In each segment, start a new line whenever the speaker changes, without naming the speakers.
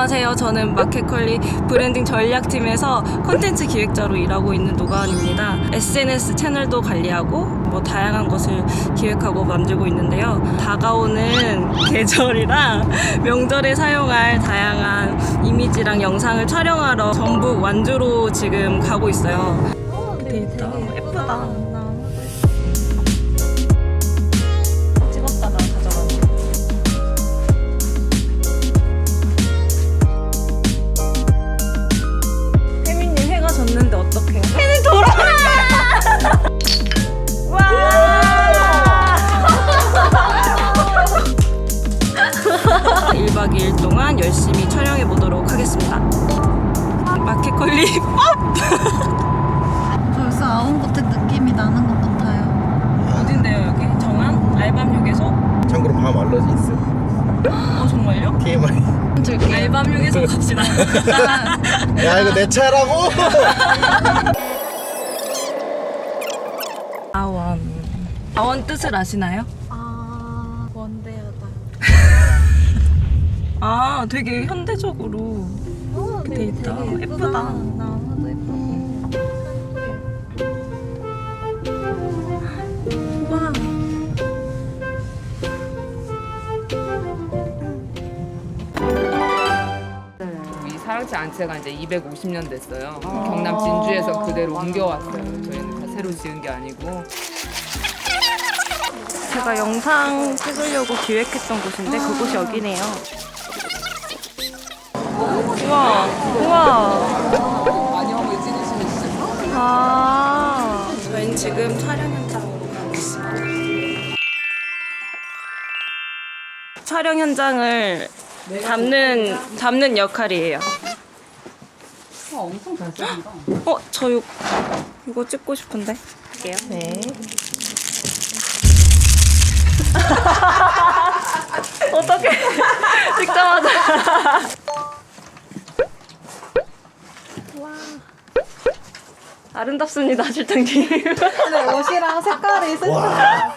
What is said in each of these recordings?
안녕하세요. 저는 마켓컬리 브랜딩 전략팀에서 콘텐츠 기획자로 일하고 있는 노가은입니다. SNS 채널도 관리하고 다양한 것을 기획하고 만들고 있는데요. 다가오는 계절이랑 명절에 사용할 다양한 이미지랑 영상을 촬영하러 전북 완주로 지금 가고 있어요. 데이터 예쁘다. 찍었다가 가져가는 거. 혜민님 해가 졌는데 어떡해요? 혜민 돌아와! 와! 1박 2일 동안 열심히 촬영해 보도록 하겠습니다. 마켓컬리
벌써 아웅고택 느낌이 나는 것 같아요.
어딘데요 여기? 정한? 알밤휴게소?
참고로 밤 알러지 있어.
정말요?
TMI.
알밤휴게소 갑시다.
야 이거 내 차라고?
아원 뜻을 아시나요?
아, 원대하다.
아 되게 현대적으로 돼 있다. 예쁘다.
나무도 예쁘고.
와.
이 사랑채 안채가 이제 250년 됐어요. 경남 진주에서 그대로 옮겨왔어요. 저희는 다 새로 지은 게 아니고.
제가 영상 찍으려고 기획했던 곳인데 그곳이 여기네요. 우와, 우와.
안녕을 찍으시는 시죠?
아, 저희는 지금 촬영 현장으로 가고 있습니다. 촬영 현장을 잡는 역할이에요.
엄청 잘 찍는다.
저 이거 찍고 싶은데. 할게요. 네. 어떡해. 찍자마자. 와. 아름답습니다, 실장님.
근데 옷이랑 색깔이
와.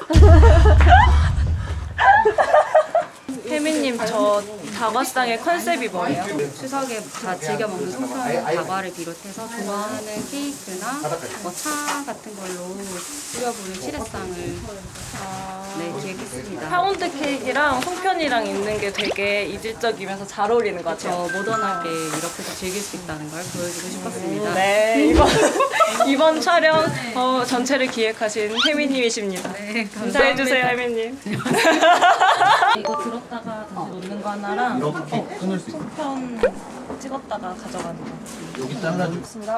혜민님, 저 다과상의 컨셉이 뭐예요?
추석에 다 즐겨 먹는 송편 다과를 비롯해서 좋아하는 케이크나 차 같은 걸로 꾸려보는 칠해상을 기획했습니다.
파운드 케이크랑 송편이랑 있는 게 되게 이질적이면서 잘 어울리는 것
저
같아요.
모던하게 이렇게도 즐길 수 있다는 걸 보여주고 싶었습니다.
네, 이번 촬영 전체를 기획하신 혜민님이십니다.
네,
인사해주세요, 혜민님. 이거 들었다가 다시 놓는 거 하나랑
이렇게 끊을 수 있어.
송편 찍었다가 가져가는 거.
여기 잘라줘.
좋습니다.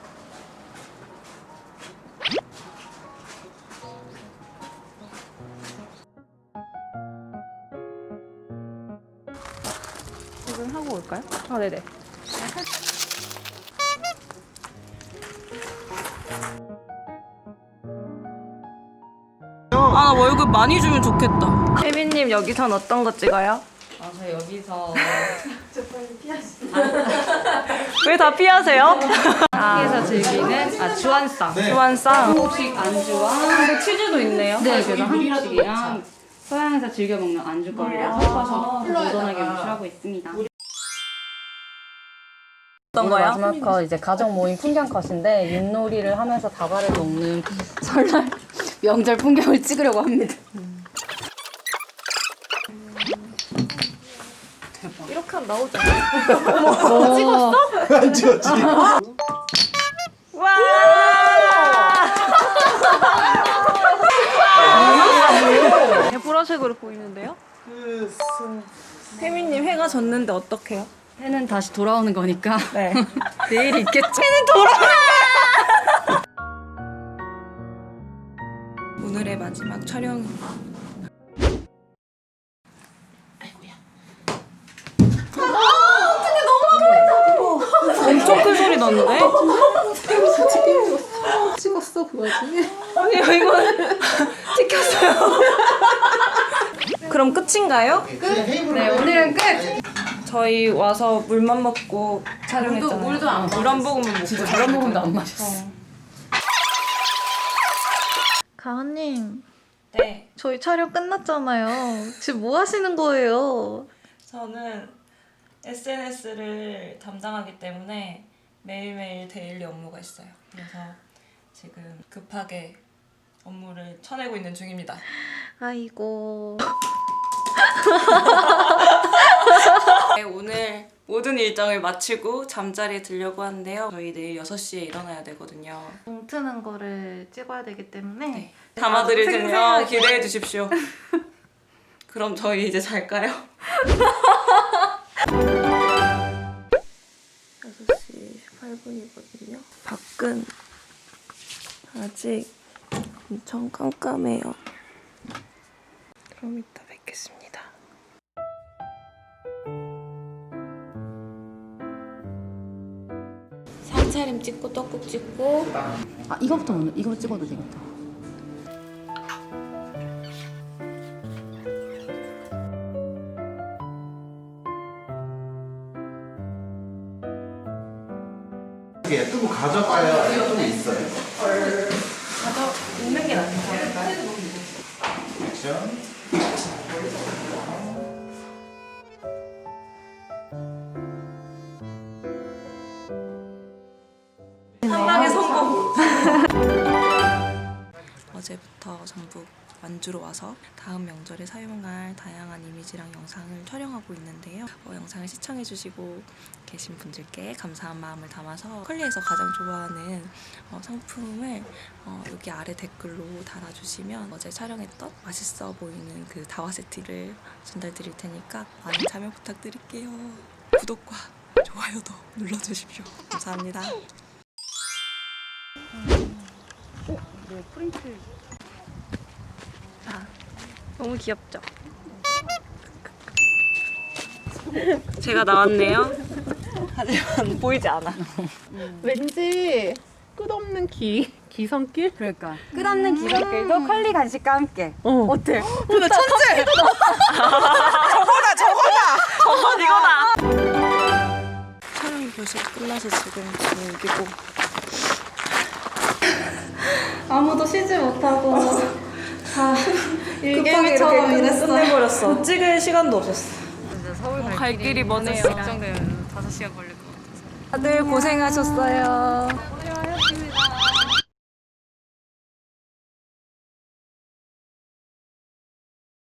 지금 하고 올까요? 아, 네네. 아, 나 월급 많이 주면 좋겠다. 혜빈님, 여기선 어떤 거 찍어요?
저 여기서
왜 다 피하세요?
학교에서 즐기는 주안상
주안상.
한국식 안주와
근데 치즈도 있네요.
네, 그래서 한국식이랑 서양에서 즐겨 먹는 안주거리를 섞어서 모던하게 연출하고 있습니다.
어떤 거요?
마지막 컷 이제 가족 모임 풍경 컷인데 윷놀이를 하면서 다과를 먹는 설날 명절 풍경을 찍으려고 합니다.
이렇게 하면 나오죠.
안 찍었지.
와! 보라색으로 보이는데요? 혜민님 해가 졌는데 어떡해요?
해는 다시 돌아오는 거니까
네.
내일 있겠죠.
오늘의 마지막 촬영. 엄청 큰 소리 났는데?
찍었어, 그 와중에.
아니 이건 찍혔어요. 그럼 끝인가요?
네, 오늘은 끝.
저희 와서 물만 먹고 촬영했잖아요.
물도 안
물 한 모금만 먹고.
진짜 저런 부분도 안 마셨어.
가은님,
네.
저희 촬영 끝났잖아요. 지금 뭐 하시는 거예요?
저는 SNS를 담당하기 때문에 매일매일 데일리 업무가 있어요. 그래서 지금 급하게 업무를 쳐내고 있는 중입니다.
아이고.
네, 오늘 모든 일정을 마치고 잠자리에 들려고 하는데요. 저희 내일 6시에 일어나야 되거든요.
공 트는 거를 찍어야 되기 때문에
네. 담아드릴 테니요.
생생하게.
기대해 주십시오. 그럼 저희 이제 잘까요? 6시 18분이거든요. 밖은 아직 엄청 깜깜해요. 그럼 이따 뵙겠습니다.
상차림 찍고 떡국 찍고
아 이거부터 먼저 이거 찍어도 되겠다.
예쁜 거 가져가야 좀 있어요.
있는 게 낫지 않을까요?
액션.
한 방에 성공! 어제부터 전북 완주로 와서 다음 명절에 사용할 다양한 이미지랑 영상을 촬영하고 있는데요. 영상을 시청해주시고 계신 분들께 감사한 마음을 담아서 컬리에서 가장 좋아하는 상품을 여기 아래 댓글로 달아주시면 어제 촬영했던 맛있어 보이는 그 다와 세트를 전달드릴 테니까 많은 참여 부탁드릴게요. 구독과 좋아요도 눌러주십시오. 감사합니다.
네 프린트.
너무 귀엽죠? 제가 나왔네요. 하지만 보이지 않아.
왠지 끝없는 기성길?
그러니까 끝없는 기적길도 컬리 간식과 함께. 어때?
나 천재!
이거다. 촬영이 벌써 끝나서 지금 여기고
아무도 쉬지 못하고 다 일개미처럼 일했어요.
끝내버렸어. 찍을 시간도 없었어.
진짜 서울
갈 길이 머네요.
걱정되면 5시간 걸릴 것 같아서.
다들 고생하셨어요.